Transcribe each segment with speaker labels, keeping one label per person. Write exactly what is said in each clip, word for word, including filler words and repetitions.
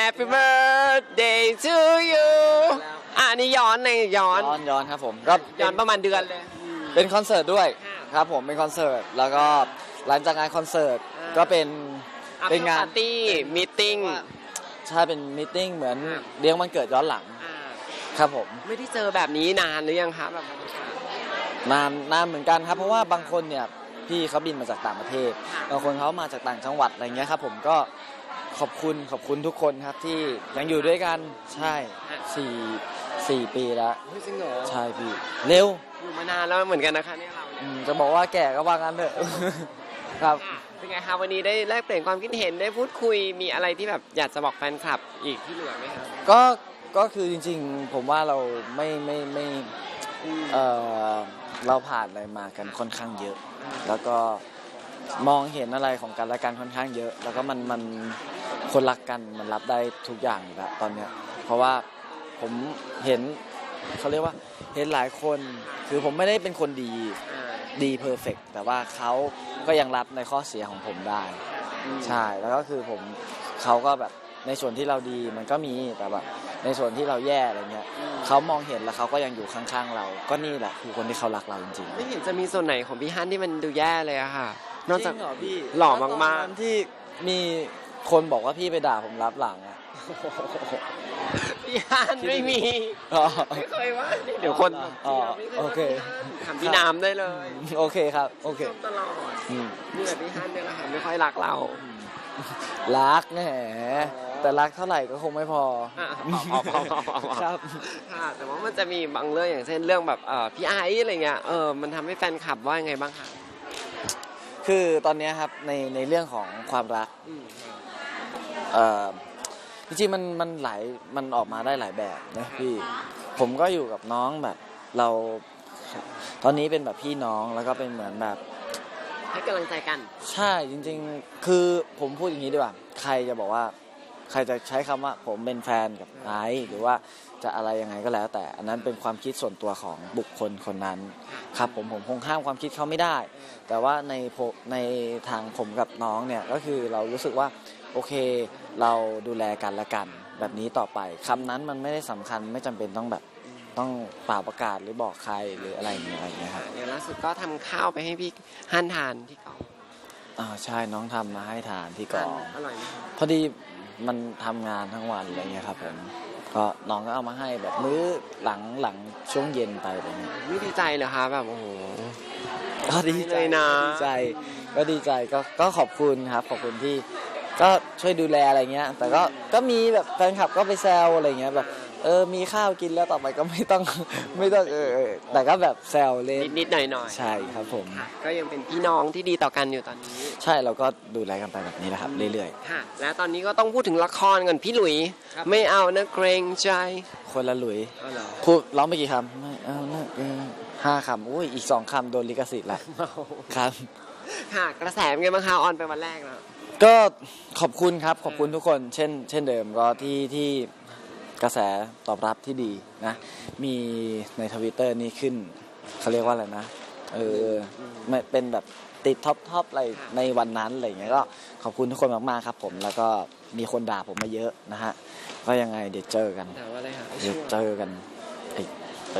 Speaker 1: Happy birthday to you อ่ะนี่ย้อนในย้อน
Speaker 2: ย้อนย้อนครับผมก็
Speaker 1: ย้อนประมาณเดือนเลย
Speaker 2: เป็นคอนเสิร์ตด้วยครับผมเป็นคอนเสิร์ตแล้วก็หลังจากงานคอนเสิร์ตก็เป็นเป็นงาน
Speaker 1: ปาร์ตี้มีติ้ง
Speaker 2: ใช่เป็นมีตติ้งเหมือนเลี้ยงวันเกิดย้อนหลังครับผม
Speaker 1: ไม่ได้เจอแบบนี้นานหรือยังคะแบบ
Speaker 2: นานนานเหมือนกันครับเพราะว่าบางคนเนี่ยพี่เขาบินมาจากต่างประเทศบางคนเขามาจากต่างจังหวัดอะไรเงี้ยครับผมก็ขอบคุณขอบคุณทุกคนครับที่ยังอยู่ด้วยกันใช่สี่สี่ปีแล้ว
Speaker 1: จริงเหรอ
Speaker 2: ใช่พี่เร็ว
Speaker 1: อยู่มานานแล้วเหมือนกันนะคะเนี่ยเรา
Speaker 2: อืมจะบอกว่าแก่ก็ว่างั้นเถอะ ครับ
Speaker 1: เป็นไงคะวันนี้ได้แลกเปลี่ยนความคิดเห็นได้พูดคุยมีอะไรที่แบบอยากจะบอกแฟนคลับอีกที่เหลือไหมคะ
Speaker 2: ก็ก็คือจริงๆผมว่าเราไม่ไม่ไม่เออเราผ่านอะไรมากันค่อนข้างเยอะ แล้วก็มองเห็นอะไรของกันและกันค่อนข้างเยอะ แล้วก็มันมันคนรักกันมันรับได้ทุกอย่างอยู่แล้วตอนเนี้ยเพราะว่าผมเห็นเขาเรียกว่าเห็นหลายคนคือผมไม่ได้เป็นคนดีดีเพอร์เฟกต์แต่ว่าเขาก็ยังรับในข้อเสียของผมได้ใช่แล้วก็คือผมเขาก็แบบในส่วนที่เราดีมันก็มีแต่แบบในส่วนที่เราแย่อะไรเงี้ยเขามองเห็นแล้วเขาก็ยังอยู่ข้างๆเราก็นี่แหละคือคนที่เขารักเราจริงๆ
Speaker 1: ไม่เห็นจะมีส่วนไหนของพี่ฮันที่มันดูแย่เลยอะค่ะนอกจาก
Speaker 2: จริงเหรอพี่
Speaker 1: หล่อมากๆ
Speaker 2: ตอนนั้นที่มีคนบอกว่าพี่ไปด่าผมรับหลังอะ
Speaker 1: พี่ฮันไม่มี
Speaker 2: อ๋อ
Speaker 1: ไม่เคยว่าเดี๋ยวคน
Speaker 2: อ๋อ
Speaker 1: ไม่ย
Speaker 2: โอ
Speaker 1: ว่า
Speaker 2: เค
Speaker 1: พี่ฮันถามพี่น้ำได้เลย
Speaker 2: โอเคครับโอเค
Speaker 1: ชมตลอด
Speaker 2: อืม
Speaker 1: นี่แหละพี่ฮันเนี่ยแหละค่ะไม่ค่อยรักเรา
Speaker 2: รักแหมแต่รักเท่าไหร่ก็คงไม่พอ
Speaker 1: อ่ะพอพอพอพอพอ
Speaker 2: ครับ
Speaker 1: ค่ะแต่ว่ามันจะมีบางเรื่องอย่างเช่นเรื่องแบบเอ่อพี่ไอซ์อะไรเงี้ยเออมันทำให้แฟนคลับว่ายังไงบ้างคะ
Speaker 2: คือตอนเนี้ยครับในในเรื่องของความรัก
Speaker 1: อืม
Speaker 2: เอ่อจริงๆมันมันหลายมันออกมาได้หลายแบบนะพี่ผมก็อยู่กับน้องแบบเราตอนนี้เป็นแบบพี่น้องแล้วก็เป็นเหมือนแบบ
Speaker 1: ให้กำลังใจกัน
Speaker 2: ใช่จริงๆคือผมพูดอย่างนี้ดีกว่าใครจะบอกว่าใครจะใช้คำว่าผมเป็นแฟนกับไอซ์หรือว่าจะอะไรยังไงก็แล้ว แต่อันนั้นเป็นความคิดส่วนตัวของบุคคลคนนั้นครับผมผมคงห้ามความคิดเขาไม่ได้ แต่ว่าในในทางผมกับน้องเนี่ยก็คือเรารู้สึกว่าโอเคเราดูแลกันและกันแบบนี้ต่อไปคำนั้นมันไม่ได้สำคัญไม่จำเป็นต้องแบบต้องเป่าประกาศหรือบอกใครหรืออะไรอย่างเงี้ยอะไรอย่างเงี้ยครับ
Speaker 1: เดี๋ยวล่าสุดก็ทำข้าวไปให้พี่ฮันทานที่กอง
Speaker 2: อ่าใช่น้องทำมาให้ทานที่กอง
Speaker 1: อร่อยไหมคะ
Speaker 2: พอดีมันทำงานทั้งวันอะไรเงี้ยครับผมก็น้องก็เอามาให้แบบมื้อหลังหลังช่วงเย็นไปอะไรเงี้ย
Speaker 1: ไม่ดีใจเหรอคะแบบโอ้โห
Speaker 2: ก็ดีใจ
Speaker 1: เลยนะ
Speaker 2: ดีใจก็ดีใจก็ก็ขอบคุณครับขอบคุณที่ก็ช่วยดูแลอะไรเงี้ยแต่ก็ก็มีแบบแฟนคลับก็ไปแซวอะไรเงี้ยแบบเออมีข้าวกินแล้วต่อไปก็ไม่ต้อง ไม่ต้องเออเออแต่ก็แบบแซวเล่น
Speaker 1: นิดๆหน่อยๆ
Speaker 2: ใช่ครับผม
Speaker 1: ค่ะก็ยังเป็นพี่น้องที่ดีต่อกันอยู่ตอนนี้
Speaker 2: ใช่เราก็ดูแลกันไปแบบนี้แหละครับเรื่อย
Speaker 1: ค่ะ และตอนนี้ก็ต้องพูดถึงละครก่อนพี่หลุย
Speaker 2: ครับ
Speaker 1: ไม่เอานะเกรงใจ
Speaker 2: ๆ คนละหลุย
Speaker 1: เอาเหรอ
Speaker 2: พูดร้องไปกี่คำไม่เอานะเออห้าคำอุ้ยอีกสองคำโดนลิขสิทธิ์ละครับ
Speaker 1: ค่ะ กระแสเป็นไงบ้างคะออนไปวันแรกแล้ว
Speaker 2: ก็ขอบคุณครับขอบคุณทุกคนเช่น เช่นเดิมก็ที่ที่กระแสตอบรับที่ดีนะมีในทวิตเตอร์นี่ขึ้นเขาเรียกว่าอะไรนะเออไม่เป็นแบบติดท็อปท็อปอะไรในวันนั้นอะไรอย่างเงี้ยก็ขอบคุณทุกคนมากๆครับผมแล้วก็มีคนด่าผมมาเยอะนะฮะก็ยังไงเดี๋ยวเจอกัน
Speaker 1: ถามว่าอะไรคะ
Speaker 2: เดี๋ยวเจอกันไอ้ไอ้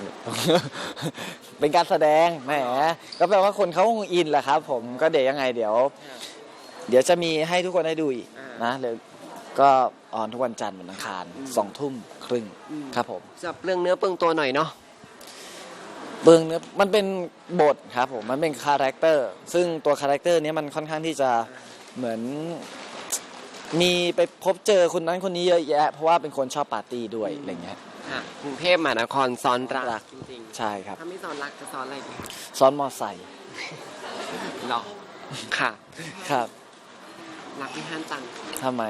Speaker 2: เป็นการแสดงแหมก็แปลว่าคนเขาคงอินแหละครับผมก็เดี๋ยวยังไงเดี๋ยว เดี๋ยวจะมีให้ทุกคนได้ดูอีกนะเดี๋ยวก็ออนทุกวันจันทร์วันอังคารสองทุ่มครึ่งครับผม
Speaker 1: จับเรื่องเนื้อเปลืองตัวหน่อยเนาะ
Speaker 2: เบื้องเนื้อมันเป็นบทครับผมมันเป็นคาแรคเตอร์ซึ่งตัวคาแรคเตอร์นี้มันค่อนข้างที่จะเหมือนมีไปพบเจอคนนั้นคนนี้เยอะแยะเพราะว่าเป็นคนชอบปาร์ตี้ด้วยอะไรเงี้ย
Speaker 1: ค่ะกรุงเทพมหานครซ้อนรักจริง
Speaker 2: ใช่ครับ
Speaker 1: ๆถ้าไม่ซ้อนรักจะซ้อนอะไรดี
Speaker 2: ซ้อนมอไซค์
Speaker 1: หรอค่ะ
Speaker 2: ครับ
Speaker 1: รักพี่ฮันจัง
Speaker 2: ทำไม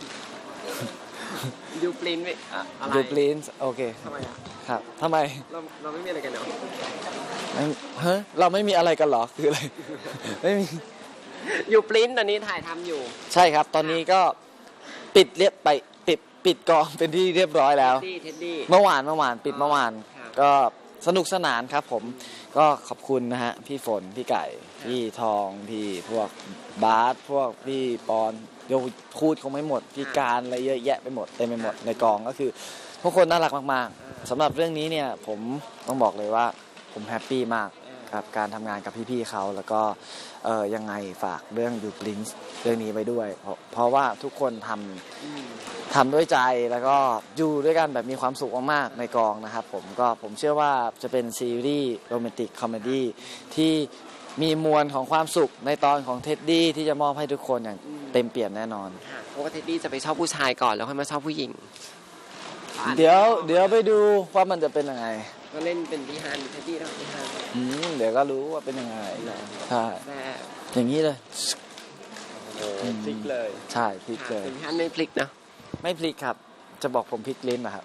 Speaker 1: ดูปริ้นท์ไม่อะอะไร
Speaker 2: ดูปลินส์โอเค
Speaker 1: ทำไมอ่ะ
Speaker 2: ครับทำไม
Speaker 1: เราเราไม่มีอะไรกันเนาะ
Speaker 2: ไม่เฮ้ยเราไม่มีอะไรกันเหรอคืออะไร ไม่มี
Speaker 1: อยู่ปริ้นท์ตอนนี้ถ่ายทำอยู่
Speaker 2: ใช่ครับ ตอนนี้ก็ปิดเรียบไปปิดปิดกองเป็นที่เรียบร้อยแล้ว
Speaker 1: เท็ดดี้เท็ดดี้
Speaker 2: เมื่อวานเมื่อวานปิดเมื่อวาน
Speaker 1: ครับ
Speaker 2: ก็สนุกสนานครับผมก็ขอบคุณนะฮะพี่ฝนพี่ไก่พี่ทองพี่พวกบาสพวกพี่ปอนเดี๋ยวพูดคงไม่หมดพี่การอะไรเยอะแยะไปหมดเต็มไปหมดในกองก็คือทุกคนน่ารักมากๆสำหรับเรื่องนี้เนี่ยผมต้องบอกเลยว่าผมแฮปปี้มากครับการทำงานกับพี่ๆเขาแล้วก็เออยังไงฝากเรื่องยูปรินซ์เรื่องนี้ไปด้วย เพราะเพราะว่าทุกคนทำทำด้วยใจแล้วก็อยู่ด้วยกันแบบมีความสุขมากๆในกองนะครับผมก็ผมเชื่อว่าจะเป็นซีรีส์โรแมนติกคอมเมดี้ที่มีมวลของความสุขในตอนของเท็ดดี้ที่จะมอบให้ทุกคนอย่างเต็มเปี่ยมแน่นอน
Speaker 1: ปกติดีจะไปชอบผู้ชายก่อนแล้วค่อยมาชอบผู้หญิง
Speaker 2: เดี๋ยวเดี๋ยวไปดูว่ามันจะเป็นยังไง
Speaker 1: ก็เล่นเป็นพี่ฮันเทดดี้แล้วพี่ฮัน
Speaker 2: อืมเดี๋ยวก็รู้ว่าเป็นยังไงใช่
Speaker 1: แซ่บ
Speaker 2: อย่างนี้เลย
Speaker 1: โอ้โหพลิกเลย
Speaker 2: ใช่พลิกเลย
Speaker 1: เป็นพี่ฮันไม่พลิกนะ
Speaker 2: ไม่พลิกครับ จะบอกผมพลิกลิ้นนะครับ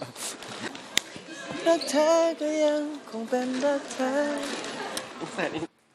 Speaker 2: รักเธอก็ยังคงเป็นรักเธอ
Speaker 1: แต่นี่